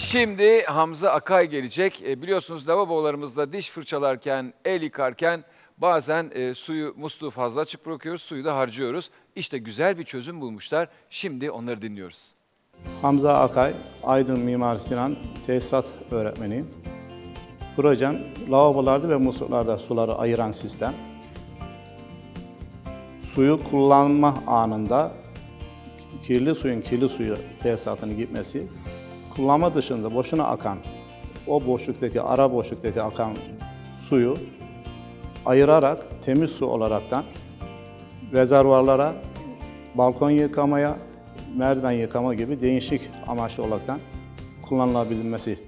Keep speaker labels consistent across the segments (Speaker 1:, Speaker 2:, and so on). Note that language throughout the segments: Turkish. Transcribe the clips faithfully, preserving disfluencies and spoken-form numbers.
Speaker 1: Şimdi Hamza Akay gelecek. E, biliyorsunuz lavabolarımızda diş fırçalarken, el yıkarken bazen e, suyu, musluğu fazla açık bırakıyoruz, suyu da harcıyoruz. İşte güzel bir çözüm bulmuşlar. Şimdi onları dinliyoruz.
Speaker 2: Hamza Akay, Aydın Mimar Sinan Tesisat Öğretmeniyim. Projem, lavabolarda ve musluklarda suları ayıran sistem. Suyu kullanma anında kirli suyun kirli suyu tesisatını gitmesi, kullanma dışında boşuna akan, o boşluktaki, ara boşluktaki akan suyu ayırarak temiz su olaraktan rezervuarlara, balkon yıkamaya, merdiven yıkama gibi değişik amaçlı olaraktan kullanılabilmesi.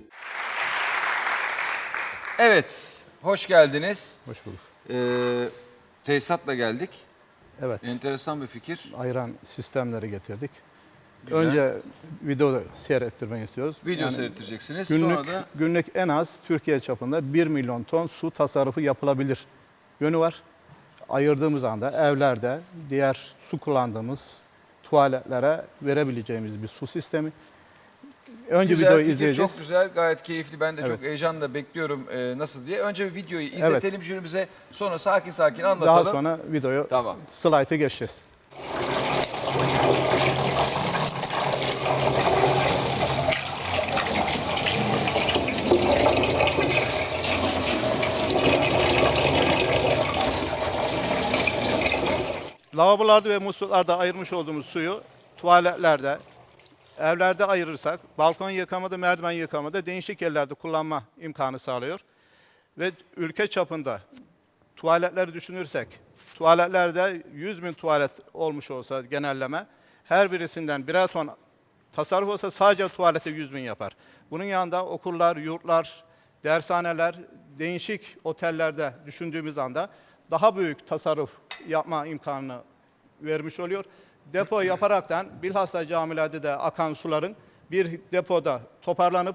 Speaker 1: Evet, hoş geldiniz.
Speaker 2: Hoş bulduk.
Speaker 1: Ee, tesisatla geldik.
Speaker 2: Evet.
Speaker 1: Enteresan bir fikir.
Speaker 2: Ayıran sistemleri getirdik.
Speaker 1: Güzel.
Speaker 2: Önce video seyrettirmeyi istiyoruz.
Speaker 1: Video
Speaker 2: Yani
Speaker 1: seyrettireceksiniz.
Speaker 2: Günlük,
Speaker 1: Sonra da
Speaker 2: günlük en az Türkiye çapında bir milyon ton su tasarrufu yapılabilir yönü var. Ayırdığımız anda evlerde diğer su kullandığımız tuvaletlere verebileceğimiz bir su sistemi. Önce
Speaker 1: güzel
Speaker 2: videoyu
Speaker 1: fikir,
Speaker 2: izleyeceğiz.
Speaker 1: çok güzel, gayet keyifli. Ben de
Speaker 2: Evet.
Speaker 1: çok heyecanla bekliyorum e, nasıl diye. Önce bir videoyu izletelim jürimize, sonra sakin sakin anlatalım.
Speaker 2: Daha sonra videoyu,
Speaker 1: Tamam.
Speaker 2: slaytı geçeceğiz. Lavabolarda ve musluklarda ayırmış olduğumuz suyu tuvaletlerde, evlerde ayırırsak, balkon yıkamada, merdiven yıkamada değişik yerlerde kullanma imkanı sağlıyor. Ve ülke çapında tuvaletleri düşünürsek, tuvaletlerde yüz bin tuvalet olmuş olsa genelleme, her birisinden birer ton tasarruf olsa sadece tuvalete yüz bin yapar. Bunun yanında okullar, yurtlar, dershaneler, değişik otellerde düşündüğümüz anda daha büyük tasarruf yapma imkanını vermiş oluyor. Depo yaparaktan bilhassa camilerde de akan suların bir depoda toparlanıp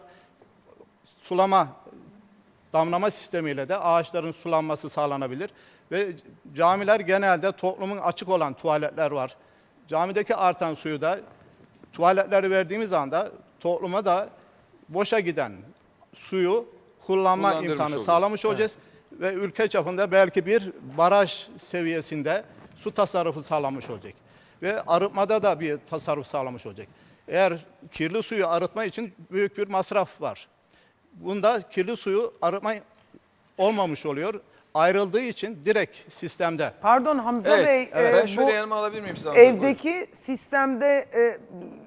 Speaker 2: sulama, damlama sistemiyle de ağaçların sulanması sağlanabilir. Ve camiler genelde toplumun açık olan tuvaletler var. Camideki artan suyu da tuvaletleri verdiğimiz anda topluma da boşa giden suyu kullanma imkanı
Speaker 1: olur.
Speaker 2: sağlamış olacağız. Evet. Ve ülke çapında belki bir baraj seviyesinde su tasarrufu sağlamış olacak. Ve arıtmada da bir tasarruf sağlamış olacak. Eğer kirli suyu arıtma için büyük bir masraf var. Bunda kirli suyu arıtma olmamış oluyor. Ayrıldığı için direkt sistemde.
Speaker 3: Pardon Hamza
Speaker 1: Evet,
Speaker 3: Bey,
Speaker 1: evet.
Speaker 3: e,
Speaker 1: Ben şöyle
Speaker 3: bu
Speaker 1: yanıma alabilir miyim size?
Speaker 3: evdeki sistemde e,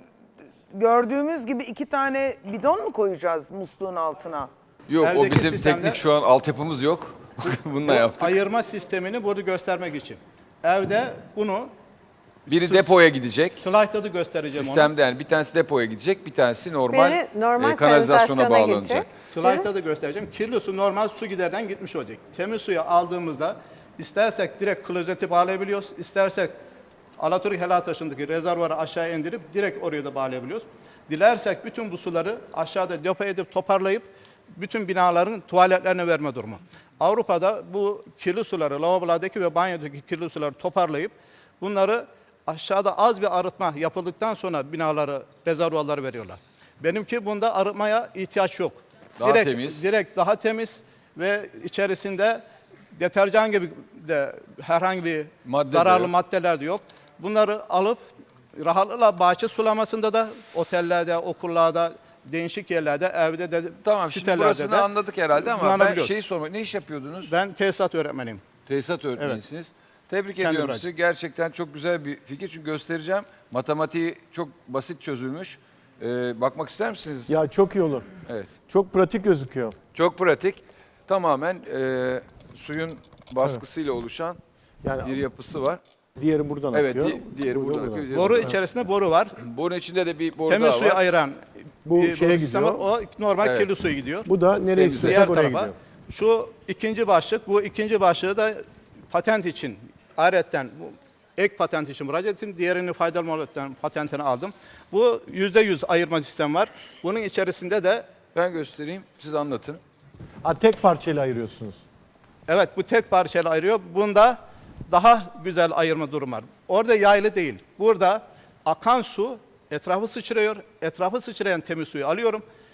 Speaker 3: gördüğümüz gibi iki tane bidon mu koyacağız musluğun altına?
Speaker 1: Yok, o
Speaker 2: Evdeki
Speaker 1: bizim
Speaker 2: sistemde-
Speaker 1: teknik şu an altyapımız yok. Bununla
Speaker 2: Bu
Speaker 1: yaptık.
Speaker 2: ayırma sistemini burada göstermek için. Evde bunu
Speaker 1: Biri
Speaker 2: Sı-
Speaker 1: depoya gidecek.
Speaker 2: slaytta da göstereceğim onu.
Speaker 1: Sistemde yani bir tanesi depoya gidecek, bir tanesi normal,
Speaker 4: Biri normal
Speaker 1: e, kanalizasyona
Speaker 4: kanalizasyona
Speaker 1: bağlanacak.
Speaker 4: gidecek.
Speaker 2: Slaytta da göstereceğim. Kirli su normal su giderden gitmiş olacak. Temiz suyu aldığımızda istersek direkt klozeti bağlayabiliyoruz. İstersek Alaturk Helataşı'ndaki rezervuarı aşağı indirip direkt oraya da bağlayabiliyoruz. Dilersek bütün bu suları aşağıda depo edip toparlayıp bütün binaların tuvaletlerine verme durumu. Avrupa'da bu kirli suları, lavabolardaki ve banyodaki kirli suları toparlayıp bunları aşağıda az bir arıtma yapıldıktan sonra binaları, rezervuarları veriyorlar. Benimki bunda arıtmaya ihtiyaç yok.
Speaker 1: Daha
Speaker 2: direkt,
Speaker 1: temiz.
Speaker 2: Direkt daha temiz ve içerisinde deterjan gibi de herhangi bir
Speaker 1: Madde de
Speaker 2: zararlı
Speaker 1: yok.
Speaker 2: maddeler de yok. Bunları alıp rahatlıkla bahçe sulamasında da, otellerde, okullarda, değişik yerlerde, evde de,
Speaker 1: Tamam, şimdi
Speaker 2: sitelerde
Speaker 1: burasını
Speaker 2: de
Speaker 1: anladık herhalde ama ben
Speaker 2: kullanabiliyoruz.
Speaker 1: şeyi sormak, ne iş yapıyordunuz?
Speaker 2: Ben tesisat öğretmeniyim.
Speaker 1: Tesisat öğretmenisiniz. Tebrik
Speaker 2: Kendi
Speaker 1: ediyorum
Speaker 2: bırak.
Speaker 1: sizi. Gerçekten çok güzel bir fikir. Çünkü göstereceğim. Matematiği çok basit çözülmüş. Ee, bakmak ister misiniz?
Speaker 5: Ya çok iyi olur.
Speaker 1: Evet.
Speaker 5: Çok pratik gözüküyor.
Speaker 1: Çok pratik. Tamamen e, suyun baskısıyla oluşan
Speaker 5: Yani
Speaker 1: bir yapısı var.
Speaker 5: diğeri buradan
Speaker 1: Evet,
Speaker 5: akıyor.
Speaker 1: di- diğeri
Speaker 5: bu
Speaker 1: buradan
Speaker 5: buradan.
Speaker 1: akıyor. diğeri
Speaker 2: Boru
Speaker 1: buradan.
Speaker 2: içerisinde boru var.
Speaker 1: Bunun içinde de bir boru
Speaker 2: Temiz
Speaker 1: daha
Speaker 2: suyu
Speaker 1: var.
Speaker 2: ayıran
Speaker 5: Bu
Speaker 2: bir
Speaker 5: şeye
Speaker 2: boru sistemi
Speaker 5: gidiyor.
Speaker 2: var. O normal
Speaker 1: Evet.
Speaker 2: kirli suyu gidiyor.
Speaker 5: Bu da nereye
Speaker 1: Temiz.
Speaker 5: istiyorsak
Speaker 2: Diğer
Speaker 5: oraya
Speaker 2: tarafa.
Speaker 5: gidiyor.
Speaker 2: Şu ikinci başlık. Bu ikinci başlığı da patent için. Ayrıca bu ek patent için müracaat ettim. Diğerini faydalı maliyetlerin patentini aldım. Bu yüzde yüz ayırma sistemi var. Bunun içerisinde de
Speaker 1: Ben göstereyim. Siz anlatın.
Speaker 5: Ha, tek parçayla ayırıyorsunuz.
Speaker 2: evet bu tek parçayla ayırıyor. Bunda daha güzel ayırma durum var. Orada yaylı değil. Burada akan su etrafı sıçrıyor. Etrafı sıçrayan temiz suyu alıyorum.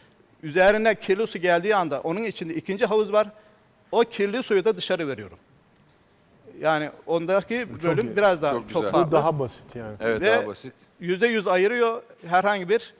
Speaker 2: üzerine kirli su geldiği anda onun içinde ikinci havuz var. O kirli suyu da dışarı veriyorum. Yani ondaki
Speaker 5: çok
Speaker 2: bölüm
Speaker 5: iyi.
Speaker 2: biraz daha
Speaker 1: Çok
Speaker 2: çok,
Speaker 1: güzel.
Speaker 2: farklı.
Speaker 5: Bu daha basit yani.
Speaker 1: Evet,
Speaker 2: Ve
Speaker 1: daha basit.
Speaker 2: yüzde yüz ayırıyor, herhangi bir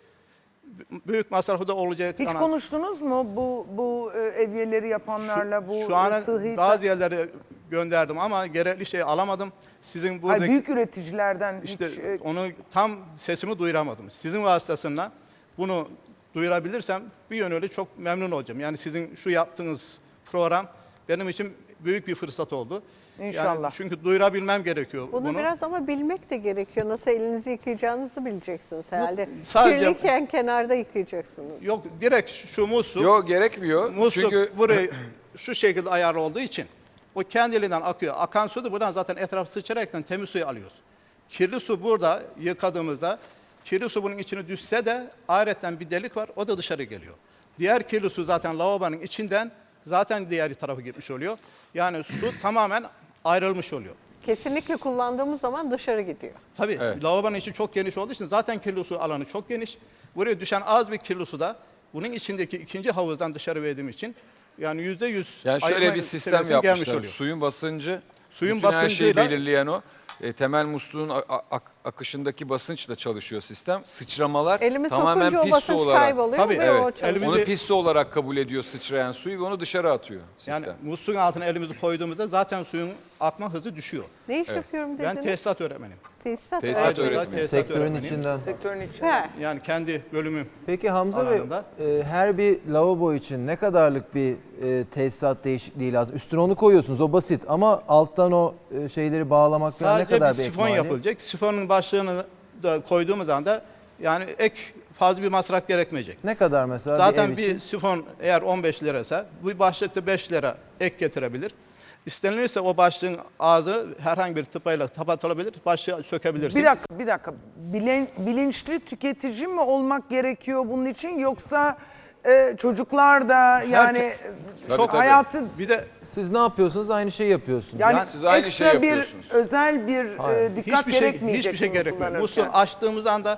Speaker 2: büyük masrafı da olacak.
Speaker 3: Hiç
Speaker 2: ana-
Speaker 3: konuştunuz mu bu bu e, evyeleri yapanlarla, bu
Speaker 2: Şu an
Speaker 3: sıhhi...
Speaker 2: bazı yerlere gönderdim ama gerekli şeyi alamadım. Sizin
Speaker 3: Hayır,
Speaker 2: buradaki
Speaker 3: büyük üreticilerden
Speaker 2: işte
Speaker 3: hiç... e,
Speaker 2: onu tam sesimi duyuramadım. Sizin vasıtasıyla bunu duyurabilirsem bir yönüyle çok memnun olacağım. Yani sizin şu yaptığınız program benim için büyük bir fırsat oldu.
Speaker 3: İnşallah.
Speaker 2: Yani çünkü duyurabilmem gerekiyor
Speaker 4: Bunu,
Speaker 2: bunu.
Speaker 4: biraz ama bilmek de gerekiyor. Nasıl elinizi yıkayacağınızı bileceksiniz herhalde.
Speaker 2: sadece-
Speaker 4: Kirliyken kenarda yıkayacaksınız.
Speaker 2: Yok, direkt şu musluk,
Speaker 1: Yok, gerekmiyor.
Speaker 2: musluk
Speaker 1: Çünkü
Speaker 2: burayı şu şekilde ayarlı olduğu için o kendiliğinden akıyor. Akan su da buradan zaten etrafı sıçrayaraktan temiz suyu alıyoruz. Kirli su burada yıkadığımızda kirli su bunun içine düşse de ayrıca bir delik var, o da dışarı geliyor. Diğer kirli su zaten lavabonun içinden zaten diğer tarafa gitmiş oluyor. Yani su tamamen ayrılmış oluyor.
Speaker 4: Kesinlikle kullandığımız zaman dışarı gidiyor.
Speaker 2: Tabii
Speaker 1: Evet.
Speaker 2: lavabonun içi çok geniş olduğu için zaten kirli su alanı çok geniş. Buraya düşen az bir kirli su da bunun içindeki ikinci havuzdan dışarı verdiğim için yani yüzde yüz
Speaker 1: yani şöyle
Speaker 2: ayırma
Speaker 1: bir sistem
Speaker 2: seviyesine gelmiş
Speaker 1: yapmışlar.
Speaker 2: oluyor.
Speaker 1: Suyun basıncı,
Speaker 2: Suyun
Speaker 1: bütün her şeyi
Speaker 2: basıncıyla-
Speaker 1: belirleyen o. E, temel musluğun a- a- ak- akışındaki basınçla çalışıyor sistem. Sıçramalar
Speaker 4: Elimi
Speaker 1: tamamen
Speaker 4: sokunca o
Speaker 1: pis su
Speaker 4: basınç
Speaker 1: olarak.
Speaker 4: kayboluyor
Speaker 2: Tabii,
Speaker 4: ve
Speaker 2: evet.
Speaker 4: o çalışıyor.
Speaker 2: Elimi-
Speaker 1: Onu pis su olarak kabul ediyor sıçrayan suyu ve onu dışarı atıyor sistem.
Speaker 2: Yani musluğun altına elimizi koyduğumuzda zaten suyun akma hızı düşüyor.
Speaker 4: Ne iş yapıyorum dediniz?
Speaker 2: Ben tesisat öğretmeniyim.
Speaker 4: Tesisat.
Speaker 1: Tesisat
Speaker 4: öğretmeni.
Speaker 1: öğretmeni.
Speaker 2: Tesisat
Speaker 6: Sektörün
Speaker 2: öğretmeniyim.
Speaker 6: içinden.
Speaker 3: sektörün içinde.
Speaker 4: He.
Speaker 2: Yani kendi bölümüm.
Speaker 6: Peki Hamza Bey,
Speaker 2: Alanında.
Speaker 6: e, her bir lavabo için ne kadarlık bir e, tesisat değişikliği lazım? Üstüne onu koyuyorsunuz, o basit ama alttan o e, şeyleri bağlamak falan ne
Speaker 2: Sadece
Speaker 6: kadar
Speaker 2: bir
Speaker 6: bir ek
Speaker 2: sifon
Speaker 6: maliyet?
Speaker 2: yapılacak. Sifonun başlığını da koyduğumuz anda yani ek fazla bir masraf gerekmeyecek.
Speaker 6: Ne kadar mesela
Speaker 2: Zaten
Speaker 6: bir
Speaker 2: bir,
Speaker 6: ev için?
Speaker 2: sifon eğer on beş liraysa bu başlıkta beş lira ek getirebilir. İstenilirse o başlığın ağzı herhangi bir tıpayla kapatılabilir, başlığı sökebilirsin.
Speaker 3: Bir dakika, bir dakika. Bilen, bilinçli tüketici mi olmak gerekiyor bunun için, yoksa e, çocuklar da yani e,
Speaker 1: Tabii,
Speaker 3: çok
Speaker 1: tabii.
Speaker 3: hayatı
Speaker 2: Bir de
Speaker 6: Siz ne yapıyorsunuz? Aynı şeyi yapıyorsunuz.
Speaker 3: yani,
Speaker 2: Yani
Speaker 1: siz aynı
Speaker 3: ekstra
Speaker 1: şeyi
Speaker 3: bir
Speaker 1: yapıyorsunuz.
Speaker 3: özel bir e,
Speaker 6: Hayır.
Speaker 3: dikkat
Speaker 2: hiçbir şey
Speaker 3: gerekmeyecek
Speaker 2: hiçbir şey
Speaker 3: mi
Speaker 2: gerekmiyor.
Speaker 3: kullanırken?
Speaker 2: Musluğu açtığımız anda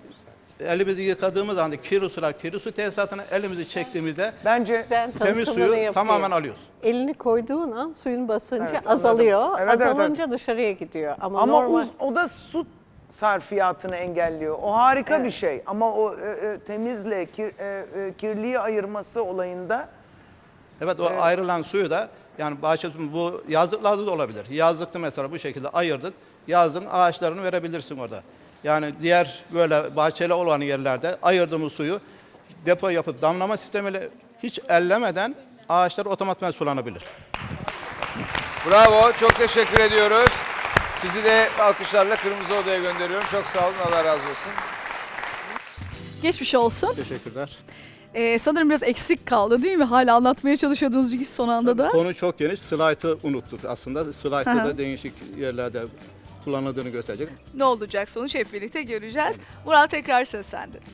Speaker 2: elimizi yıkadığımız anda kirli sular, kirli su tesisatına elimizi çektiğimizde
Speaker 3: Bence
Speaker 4: Ben
Speaker 2: temiz
Speaker 4: tanıtımını
Speaker 2: suyu
Speaker 4: yapayım.
Speaker 2: tamamen alıyoruz.
Speaker 4: Elini koyduğun an suyun basıncı
Speaker 3: Evet, anladım.
Speaker 4: azalıyor.
Speaker 3: Evet, evet,
Speaker 4: Azalınca dışarıya gidiyor. Ama,
Speaker 3: ama
Speaker 4: normal
Speaker 3: uz- o da su sarfiyatını engelliyor. O harika
Speaker 4: Evet.
Speaker 3: bir şey. Ama o e, e, temizle kir, e, e, kirliyi ayırması olayında
Speaker 2: Evet, o ayrılan suyu da yani bahçe suyu bu yazlıklarda da olabilir. Yazlıkta mesela bu şekilde ayırdık. Yazın ağaçlarını verebilirsin orada. Yani diğer böyle bahçeli olan yerlerde ayırdığımız suyu depo yapıp damlama sistemiyle hiç ellemeden ağaçlar otomatikman sulanabilir.
Speaker 1: Bravo, çok teşekkür ediyoruz. Sizi de alkışlarla Kırmızı Oda'ya gönderiyorum. Çok sağ olun, Allah razı olsun.
Speaker 7: Geçmiş olsun.
Speaker 2: Teşekkürler.
Speaker 7: Ee, sanırım biraz eksik kaldı değil mi? Hala anlatmaya çalışıyordunuz çünkü son anda da.
Speaker 2: Konu çok geniş. Slide'ı unuttuk aslında. Slide'da
Speaker 7: Aha.
Speaker 2: da değişik yerlerde kullanıldığını gösterecek.
Speaker 7: Ne olacak sonuç hep birlikte göreceğiz. Murat, tekrar söz sende.